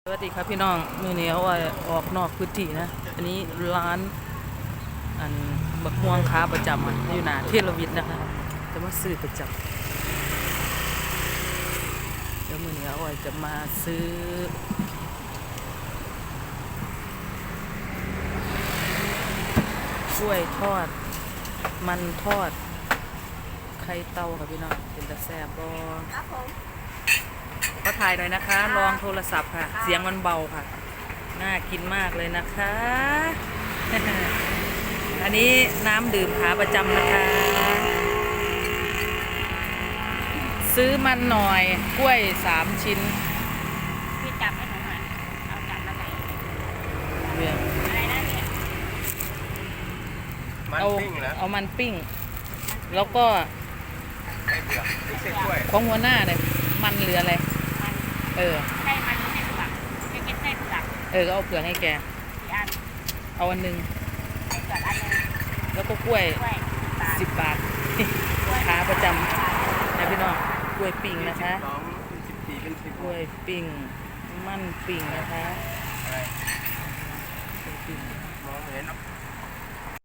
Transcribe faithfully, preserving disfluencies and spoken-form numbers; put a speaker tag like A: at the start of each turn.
A: สวัสดีครับพี่น้องมือนี้เอาไว้ออกนอกพื้นที่นะอันนี้ร้านอันบักม่วงค้าประจำอยู่หน้าเทรวิทย์นะคะจะมาซื้อประจำเดี๋ยวมือนี้เอาไว้จะมาซื้อกล้วยทอดมันทอดไข่เต้าค่ะพี่น้องเป็นตะแซ่บบ่
B: ครับผม
A: ก็ถ่ายหน่อยนะคะ ลองโทรศัพท์ค่ะเสียงมันเบาค่ะน่ากินมากเลยนะคะ อันนี้น้ำดื่มขาประจำนะคะ ซื้อมันหน่อยกล้วยสามชิ้น
B: พี่จับให้หนูหน่อยเอาจับมาไหน
A: เรื่อง
B: อะไรนะเนี่ย
A: เอาเอามันปิ้งแล้วก็
C: ไส้เผือกไม่ใช่กล้วย
A: ของหัวหน้าเนี่ยมันเหลืออะไรเออ
B: ไส้มันไม่ใช่เผือกไม่เป็นไส้เผือก
A: เออก็เอาเผือกให้แก
B: กี่อัน
A: เอาอันหนึ่ง
B: ไส้เผือกอันนึง
A: แล้วก็กล้วย
B: กล้วย
A: สิบบาทขาประจำนะพี่น้องกล้วยปิ้งนะคะ
C: สองเป็นสิบสี่เป็นสิบ
A: กล้วยปิ้งมันปิ้งนะคะ
C: อะไร
A: กล้วยปิ้ง
C: มองไม่เห็นหรอก